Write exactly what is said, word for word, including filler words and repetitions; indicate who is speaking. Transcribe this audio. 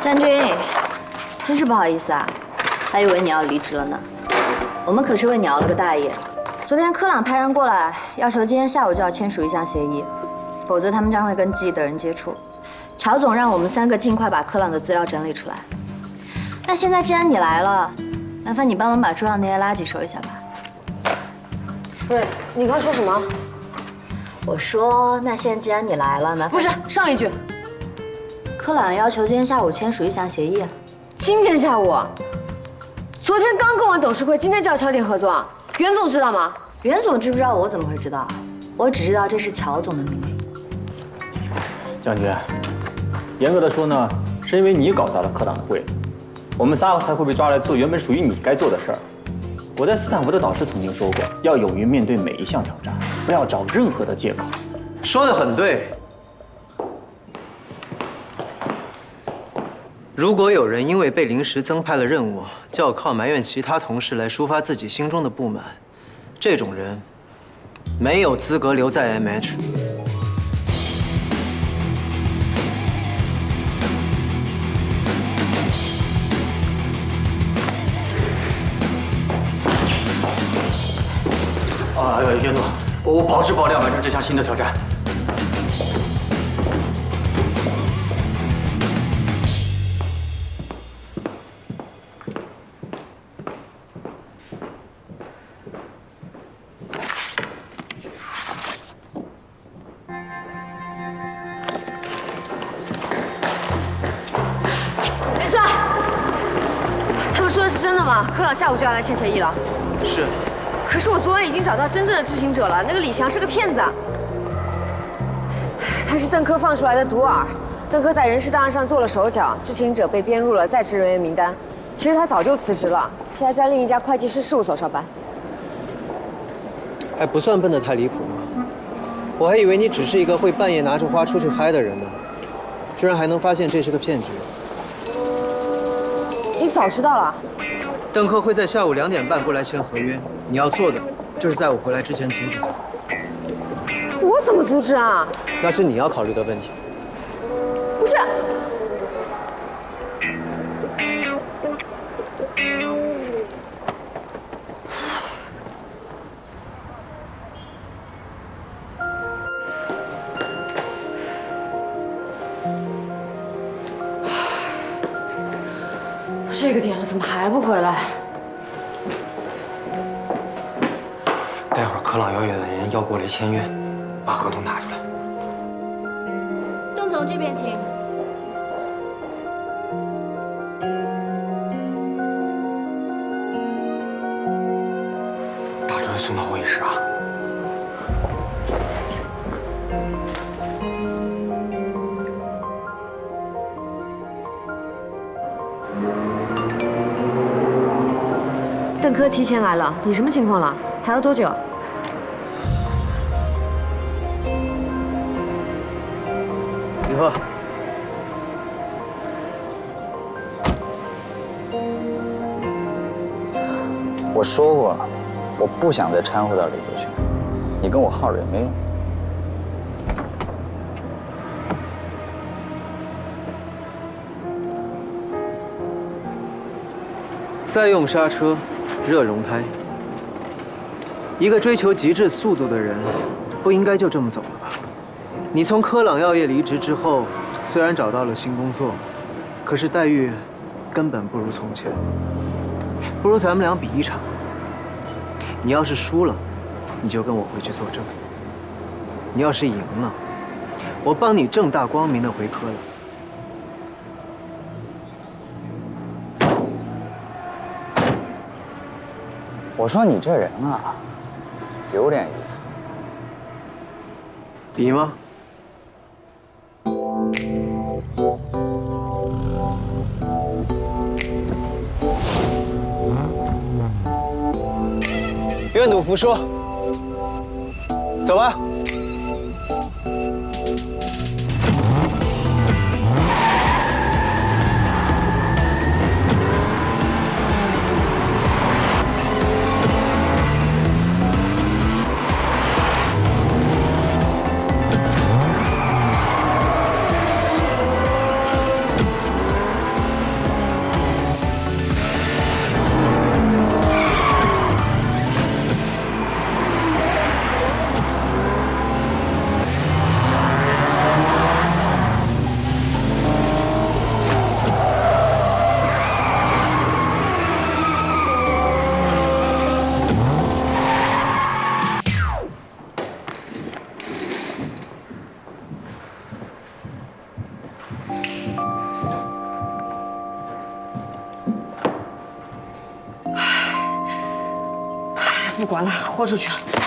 Speaker 1: 詹军，真是不好意思啊，还以为你要离职了呢。我们可是为你熬了个大夜。昨天科朗派人过来，要求今天下午就要签署一项协议，否则他们将会跟记忆的人接触。乔总让我们三个尽快把科朗的资料整理出来。那现在既然你来了，麻烦你帮忙把桌上那些垃圾收一下吧。
Speaker 2: 不是，你刚说什么？
Speaker 1: 我说，那现在既然你来了，麻烦……
Speaker 2: 不是，上一句。
Speaker 1: 科朗要求今天下午签署一项协议。
Speaker 2: 今天下午？昨天刚跟完董事会，今天就要敲定合作啊？袁总知道吗？
Speaker 1: 袁总知不知道？我怎么会知道？我只知道这是乔总的命令。
Speaker 3: 将军，严格的说呢，是因为你搞砸了科朗的会，我们仨才会被抓来做原本属于你该做的事儿。我在斯坦福的导师曾经说过，要勇于面对每一项挑战，不要找任何的借口。
Speaker 4: 说得很对。如果有人因为被临时增派了任务，就要靠埋怨其他同事来抒发自己心中的不满，这种人没有资格留在 M H。
Speaker 3: 啊，袁总，我我保质保量完成这项新的挑战。
Speaker 2: 元帅，他们说的是真的吗？科朗下午就要来签协议了。
Speaker 4: 是。
Speaker 2: 可是我昨晚已经找到真正的知情者了，那个李强是个骗子。他是邓科放出来的毒饵，邓科在人事档案上做了手脚，知情者被编入了在职人员名单。其实他早就辞职了，现在在另一家会计师事务所上班。
Speaker 4: 还不算笨得太离谱吗？我还以为你只是一个会半夜拿着花出去嗨的人呢，居然还能发现这是个骗局。
Speaker 2: 你早知道了。
Speaker 4: 邓科会在下午两点半过来签合约，你要做的就是在我回来之前阻止他。
Speaker 2: 我怎么阻止啊？
Speaker 4: 那是你要考虑的问题。
Speaker 2: 不是。这个点了，怎么还不回来？
Speaker 5: 待会儿科朗药业的人要过来签约，把合同拿出来。
Speaker 6: 邓总这边请。
Speaker 5: 把这位送到会议室啊。
Speaker 2: 邓科提前来了，你什么情况了？还要多久？
Speaker 4: 李贺，
Speaker 7: 我说过了，我不想再掺和到李泽群，你跟我耗着也没用。
Speaker 4: 再用刹车，热熔胎。一个追求极致速度的人，不应该就这么走了吧？你从科朗药业离职之后，虽然找到了新工作，可是待遇根本不如从前。不如咱们俩比一场。你要是输了，你就跟我回去作证；你要是赢了，我帮你正大光明的回科朗。
Speaker 7: 我说你这人啊，有点意思。
Speaker 4: 比吗？愿赌服输，走吧。
Speaker 2: 不管了，豁出去了。